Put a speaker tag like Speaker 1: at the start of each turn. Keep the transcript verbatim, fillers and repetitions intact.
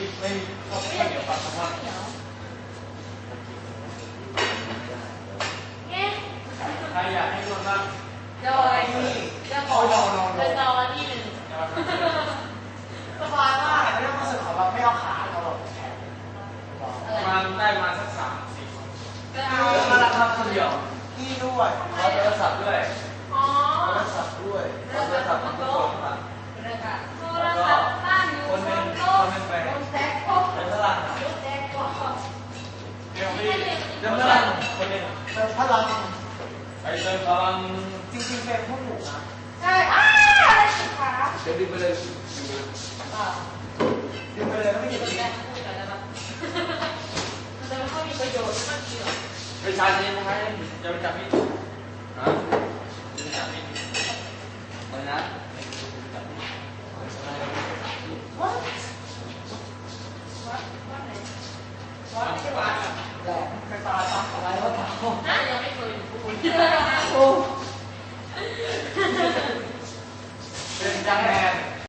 Speaker 1: ไม่มีข้าวเหนียวปลาแซลมอนใครอยากให้นวดบ้าง
Speaker 2: โดยจะขอเป็นตอนที่หนึ่งสบายมาก
Speaker 3: ไม่ต้องรู้สึกของเราไม่เอาขาเราแบบแขน
Speaker 1: มาได้มาสักสามสี่คน
Speaker 2: ก็เอา
Speaker 1: มาละครับคนเดียว
Speaker 3: พี่ด้วย
Speaker 1: เราโทรศัพท์ด้วย
Speaker 2: อ๋อ
Speaker 3: โทรศัพท์ด้วย
Speaker 1: โทรศัพท์ของทุกคนครับ
Speaker 2: โทรศัพท์ตั้งอยู่บนโต๊ะบนแท็กโต๊ะ
Speaker 1: เป็นพลัง
Speaker 2: แท็กโต๊ะ
Speaker 1: เดี๋ยวพี่เดี๋ยวพลังคนหนึ่ง
Speaker 3: เติมพลัง
Speaker 1: ไปเติมพลัง
Speaker 3: จริงๆเป็นพวกหนูนะ
Speaker 2: ใช่อ้าอะไรสิคะ
Speaker 1: เดี๋ยวดึงไปเลย
Speaker 3: ดึงไปเลยก็ไม่หยุดเลย
Speaker 2: แต่มันก็มีประโยชน์มากเกี่ยว
Speaker 1: ไปชาร์จนี่นะครับจะไปจับพี่ฮะจะไปจับพี่อะไรนะ
Speaker 2: วัดวัดวัดไหนวัดไม่ใช่วัด
Speaker 3: แหลมไปปลาตักอะไรวะถาม
Speaker 2: น่ายังไม่เคยอยู่คุณ
Speaker 3: โอ้